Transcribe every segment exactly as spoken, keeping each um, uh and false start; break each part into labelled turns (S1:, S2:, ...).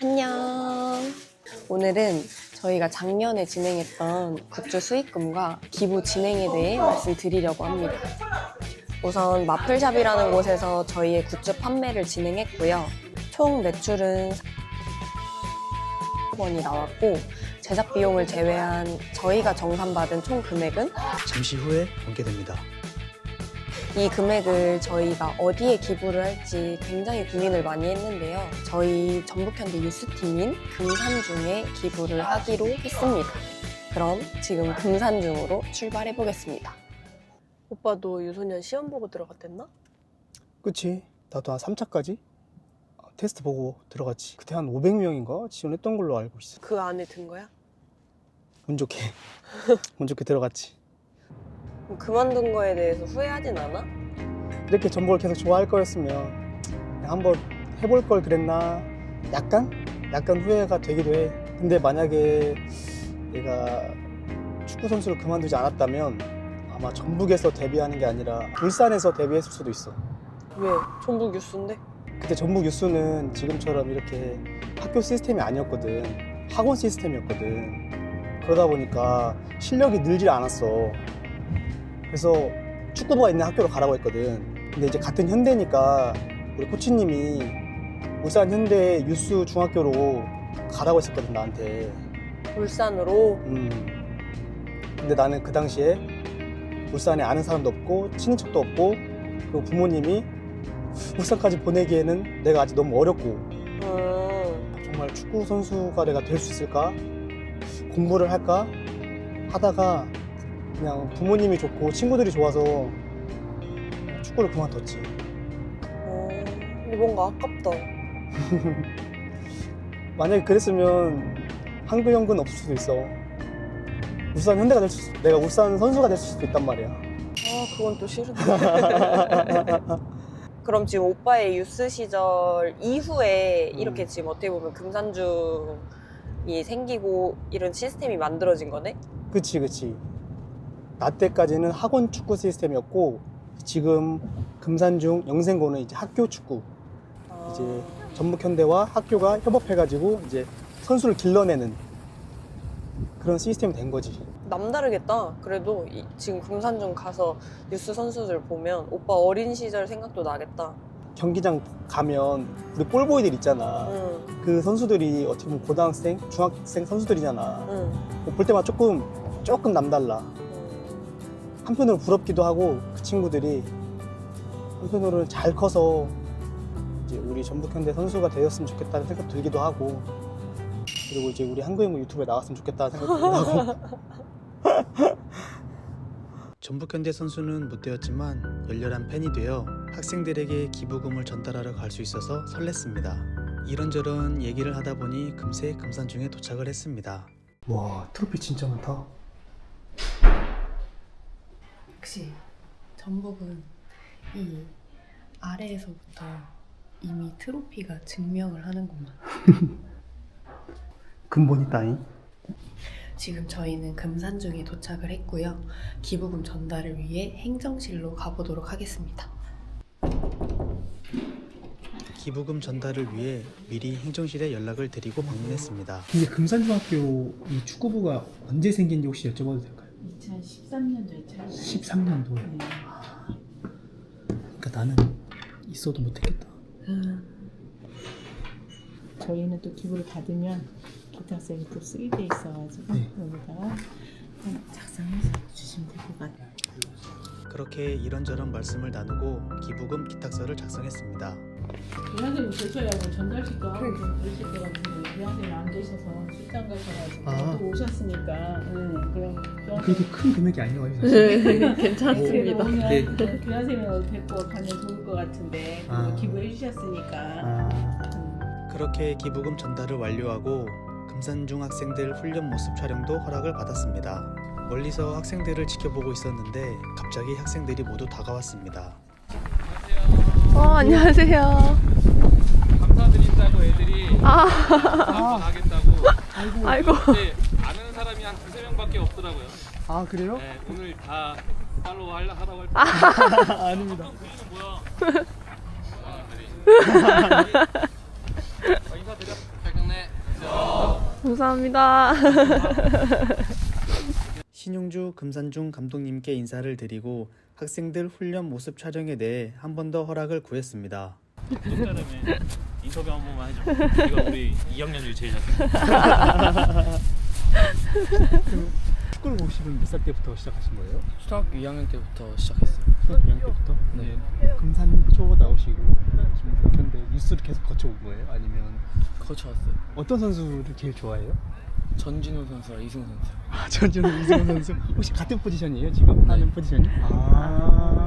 S1: 안녕. 오늘은 저희가 작년에 진행했던 굿즈 수익금과 기부 진행에 대해 말씀드리려고 합니다. 우선 마플샵이라는 곳에서 저희의 굿즈 판매를 진행했고요. 총 매출은 사억 원이 나왔고 제작 비용을 제외한 저희가 정산받은 총 금액은
S2: 잠시 후에 공개됩니다.
S1: 이 금액을 저희가 어디에 기부를 할지 굉장히 고민을 많이 했는데요. 저희 전북현대 뉴스팀인 금산중에 기부를 하기로 했습니다. 그럼 지금 금산중으로 출발해 보겠습니다. 오빠 너 유소년 시험 보고 들어갔댔나?
S3: 그치. 나도 한 삼 차까지 테스트 보고 들어갔지. 그때 한 오백 명인가 지원했던 걸로 알고 있어.
S1: 그 안에 든 거야?
S3: 운 좋게 운 좋게 들어갔지.
S1: 그럼 그만둔 거에 대해서 후회하진 않아?
S3: 이렇게 전북을 계속 좋아할 거였으면 그냥 한번 해볼 걸 그랬나 약간? 약간 후회가 되기도 해. 근데 만약에 내가 축구 선수를 그만두지 않았다면 아마 전북에서 데뷔하는 게 아니라 울산에서 데뷔했을 수도 있어.
S1: 왜? 전북 유스인데?
S3: 그때 전북 유스는 지금처럼 이렇게 학교 시스템이 아니었거든. 학원 시스템이었거든. 그러다 보니까 실력이 늘질 않았어. 그래서 축구부가 있는 학교로 가라고 했거든. 근데 이제 같은 현대니까 우리 코치님이 울산 현대 유스 중학교로 가라고 했었거든, 나한테.
S1: 울산으로?
S3: 음. 근데 나는 그 당시에 울산에 아는 사람도 없고 친인척도 없고 그리고 부모님이 울산까지 보내기에는 내가 아직 너무 어렵고
S1: 음.
S3: 정말 축구 선수가 내가 될 수 있을까? 공부를 할까? 하다가 그냥 부모님이 좋고 친구들이 좋아서 축구를 그만뒀지.
S1: 어, 근데 뭔가 아깝다.
S3: 만약에 그랬으면 한국 연근 없을 수도 있어. 울산 현대가 될 수, 내가 울산 선수가 될 수도 있단 말이야.
S1: 아, 그건 또 싫은데. 그럼 지금 오빠의 유스 시절 이후에
S3: 음.
S1: 이렇게 지금 어떻게 보면 금산중이 생기고 이런 시스템이 만들어진 거네?
S3: 그치, 그치. 나 때까지는 학원 축구 시스템이었고 지금 금산중 영생고는 이제 학교 축구.
S1: 아.
S3: 이제 전북현대와 학교가 협업해가지고 이제 선수를 길러내는 그런 시스템이 된 거지.
S1: 남다르겠다. 그래도 이, 지금 금산중 가서 유스 선수들 보면 오빠 어린 시절 생각도 나겠다.
S3: 경기장 가면 우리 볼보이들 있잖아.
S1: 응,
S3: 그 선수들이 어떻게 보면 고등학생, 중학생 선수들이잖아.
S1: 응.
S3: 볼 때마다 조금 조금 남달라.
S1: 음.
S3: 한편으로 부럽기도 하고 그 친구들이 한편으로는 잘 커서 이제 우리 전북현대 선수가 되었으면 좋겠다는 생각 들기도 하고 그리고 이제 우리 한국인구 유튜브에 나갔으면 좋겠다는 생각 들기도 하고.
S2: 전북현대 선수는 못 되었지만 열렬한 팬이 되어 학생들에게 기부금을 전달하러 갈 수 있어서 설렜습니다. 이런저런 얘기를 하다 보니 금세 금산중에 도착을 했습니다.
S3: 와, 트로피 진짜 많다.
S1: 역시 전북은 이 아래에서부터 이미 트로피가 증명을 하는구만.
S3: 근본이 따잉.
S1: 지금 저희는 금산중에 도착을 했고요. 기부금 전달을 위해 행정실로 가보도록 하겠습니다.
S2: 기부금 전달을 위해 미리 행정실에 연락을 드리고 방문했습니다.
S3: 근데 금산중학교 이 축구부가 언제 생긴지 혹시 여쭤봐도 될까요?
S4: 이천십삼 년도에 차이.
S3: 십삼 년도에.
S4: 네.
S3: 그러니까 나는 있어도 못했겠다.
S1: 음.
S4: 저희는 또 기부를 받으면 기탁생이 또 쓰게 돼 있어가지고
S3: 네.
S4: 여기다가 작성해서 주시면 될 것 같아요.
S2: 그렇게 이런저런 말씀을 나누고 기부금 기탁서를 작성했습니다.
S4: 대학생님 계셔야고 전달식도 하고 좀 그러실 것 같은데 대학생이 안 계셔서 출장 가셔가지고
S3: 아.
S4: 또 오셨으니까 네, 그럼
S3: 그렇게 큰 금액이 아니라고 사실.
S1: 괜찮습니다.
S3: 네.
S4: 교환생을 뵙고 가면 좋을 것 같은데
S3: 아.
S4: 기부해 주셨으니까
S3: 아,
S4: 음.
S2: 그렇게 기부금 전달을 완료하고 금산중 학생들 훈련 모습 촬영도 허락을 받았습니다. 멀리서 학생들을 지켜보고 있었는데 갑자기 학생들이 모두 다가왔습니다.
S1: 어, 안녕하세요.
S5: 감사드린다고 애들이
S1: 아,
S5: 한번 하겠다고.
S1: 아이고.
S5: 근데 아는 사람이 한 두세 명밖에 없더라고요.
S3: 아 그래요?
S5: 네, 오늘 다 팔로우 하려- 하라고 할 때.
S3: 아, 아닙니다.
S5: 뭐야? 아, 인사드려. 백경래.
S1: 감사합니다.
S2: 신용주 금산중 감독님께 인사를 드리고 학생들 훈련 모습 촬영에 대해 한 번 더 허락을 구했습니다.
S6: 구독자라며 인터뷰 한 번만 해줘. 이거 우리 이 학년 중에 제일 잘생겼어.
S3: 축구를 보시면 몇 살 때부터 시작하신 거예요?
S7: 초등학교 이 학년 때부터 시작했어요.
S3: 초등학교 이 학년 때부터?
S7: 네.
S3: 금산초 나오시고 지금 근데 뉴스를 계속 거쳐온 거예요? 아니면
S7: 거쳐왔어요.
S3: 어떤 선수를 제일 좋아해요?
S7: 전진우 선수랑 이승우 선수.
S3: 아, 전준우 이승우 선수 혹시 같은 포지션이에요 지금 하는 포지션이? 아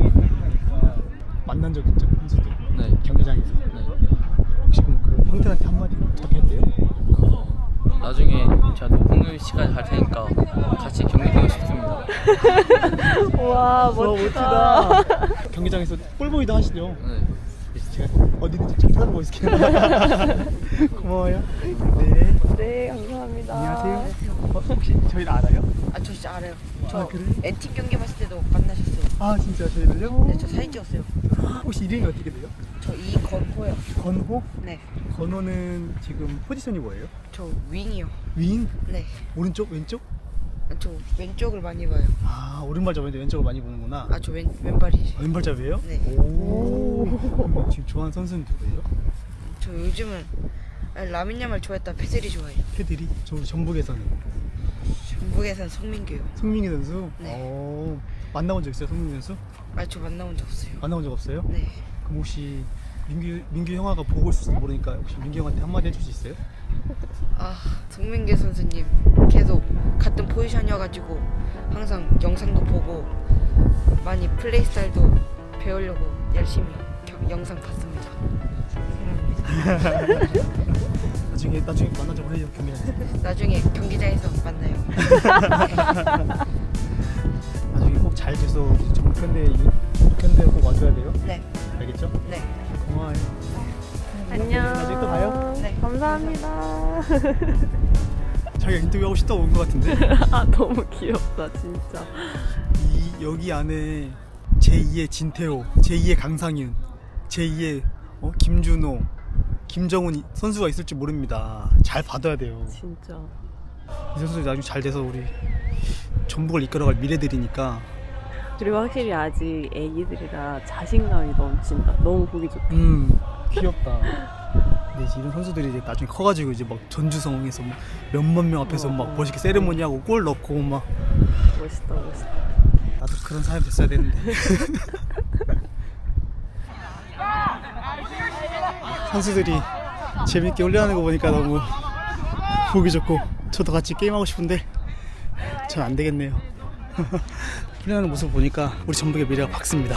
S3: 만난 적 있죠 선수도
S7: 네.
S3: 경기장에서.
S7: 네.
S3: 혹시 그럼 그 형들한테 한마디 어떻게 했대요?
S7: 어, 나중에 제가 높은 시까지 갈 테니까 같이 경기 뛰고 싶습니다.
S1: 와, 멋지다.
S3: 경기장에서 볼보이도 하시죠?
S7: 네.
S3: 제가 어디든지 잘 찾아보고 있을게요. 고마워요. 네.
S1: 네, 감사합니다.
S3: 안녕하세요. 어, 혹시 저희를 알아요?
S8: 아 저 진짜 알아요. 저
S3: 아, 그래?
S8: 엔팀 경기 봤을 때도 만나셨어요.
S3: 아 진짜 저희를요?
S8: 네, 저 사진 찍었어요.
S3: 혹시 이름이 어떻게 돼요?
S8: 저 이건호요.
S3: 건호?
S8: 네,
S3: 건호는 지금 포지션이 뭐예요?
S8: 저 윙이요.
S3: 윙?
S8: 네,
S3: 오른쪽? 왼쪽?
S8: 저 왼쪽을 많이 봐요.
S3: 아 오른발잡인데 왼쪽을 많이 보는구나.
S8: 아 저 왼 왼발이지.
S3: 아, 왼발잡이에요?
S8: 네.
S3: 오. 지금 좋아하는 선수는 누구예요?
S8: 저 요즘은 라민 야말 좋아했다 페드리 좋아해요.
S3: 패들이? 저 전북에서는
S8: 전북에선 송민규요.
S3: 송민기 선수?
S8: 네.
S3: 오. 만나본 적 있어요 송민기 선수?
S8: 아 저 만나본 적 없어요.
S3: 만나본 적 없어요?
S8: 네.
S3: 그럼 혹시 민규 민규 형아가 보고 있을지 모르니까 혹시 민규 형한테 한마디 해줄 수 있어요?
S8: 아 송민규 선수님 계속 같은 포지션이어가지고 항상 영상도 보고 많이 플레이 스타일도 배우려고 열심히 겨- 영상 봤습니다. 사랑합니다.
S3: 나중에 나중에 만나자고 해요 경기장에서.
S8: 나중에 경기장에서 만나요.
S3: 나중에 꼭 잘 돼서 정편대 정편대 꼭 와줘야 돼요.
S8: 네,
S3: 알겠죠?
S8: 네.
S3: 고마워요.
S1: 안녕.
S3: 나중에 또 봐요.
S8: 네.
S1: 감사합니다.
S3: 자기가 인터뷰하고 싶다고 온 것 같은데.
S1: 아, 너무 귀엽다, 진짜.
S3: 이 여기 안에 제이의 진태호, 제이의 강상윤, 제이의 어? 김준호, 김정훈 이- 선수가 있을지 모릅니다. 잘 받아야 돼요.
S1: 진짜.
S3: 이 선수들이 나중에 잘 돼서 우리 전북을 이끌어갈 미래들이니까.
S1: 그리고 확실히 아직 애기들이라 자신감이 넘친다. 너무 보기 좋다.
S3: 음 귀엽다. 근데 이제 이런 선수들이 이제 나중에 커가지고 이제 막 전주성에서 막 몇만 명 앞에서 막 멋있게 세레모니 하고 골 넣고 막
S1: 멋있다, 멋있다.
S3: 나도 그런 사람이 됐어야 되는데. 선수들이 재밌게 훈련하는 거 보니까 너무 보기 좋고 저도 같이 게임하고 싶은데 전 안 되겠네요. 훈련하는 모습 보니까 우리 전북의 미래가 밝습니다.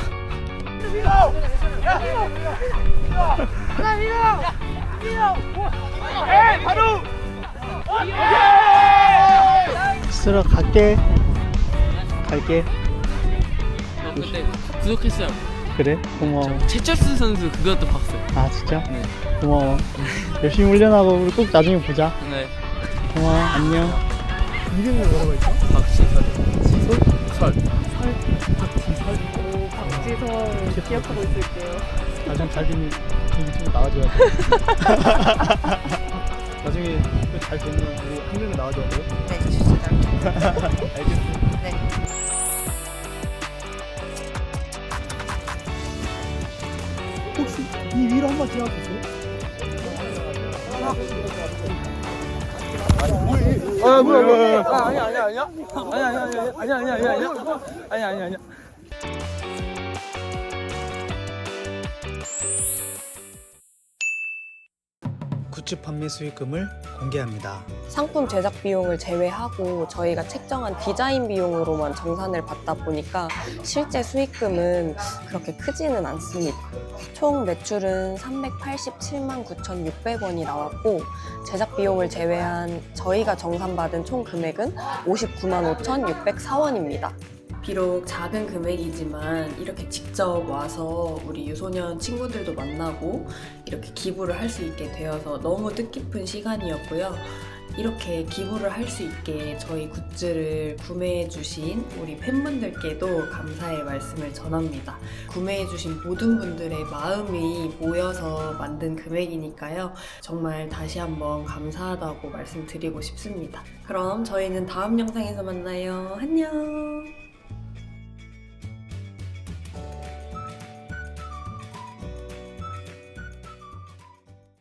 S3: 스스로 갈게. 갈게.
S7: 저 그때 구독했어요.
S3: 그래? 고마워.
S7: 최철수 선수 그것도 봤어요.
S3: 아 진짜?
S7: 네.
S3: 고마워. 열심히 훈련하고 우리 꼭 나중에 보자.
S7: 네.
S3: 고마워. 안녕. 이름이 뭐라고 했어?
S7: 박시설.
S3: 지솔?
S7: 설.
S3: 박지설?
S1: 오, 박지설 기억하고 있을게요.
S3: 나중에 잘 되면 유튜브 나와줘야 돼. 나중에 또잘 되면 우리 한명은 나와줘야 돼요.
S8: 네, 진짜.
S3: 알겠어.
S8: 네.
S3: 혹시 이 위로 한번 지나가 주세요. 아 뭐야 뭐야. 아 아니야 아니야 아니야. 아니야 아니야 아니야 아니야 아니야 아니야 아니야 아니야 아니야.
S2: 굿즈 판매 수익금을 공개합니다.
S1: 상품 제작 비용을 제외하고 저희가 책정한 디자인 비용으로만 정산을 받다 보니까 실제 수익금은 그렇게 크지는 않습니다. 총 매출은 삼백팔십칠만 구천육백 원이 나왔고 제작 비용을 제외한 저희가 정산받은 총 금액은 오십구만 오천육백사 원입니다. 비록 작은 금액이지만 이렇게 직접 와서 우리 유소년 친구들도 만나고 이렇게 기부를 할 수 있게 되어서 너무 뜻깊은 시간이었고요. 이렇게 기부를 할 수 있게 저희 굿즈를 구매해주신 우리 팬분들께도 감사의 말씀을 전합니다. 구매해주신 모든 분들의 마음이 모여서 만든 금액이니까요. 정말 다시 한번 감사하다고 말씀드리고 싶습니다. 그럼 저희는 다음 영상에서 만나요. 안녕!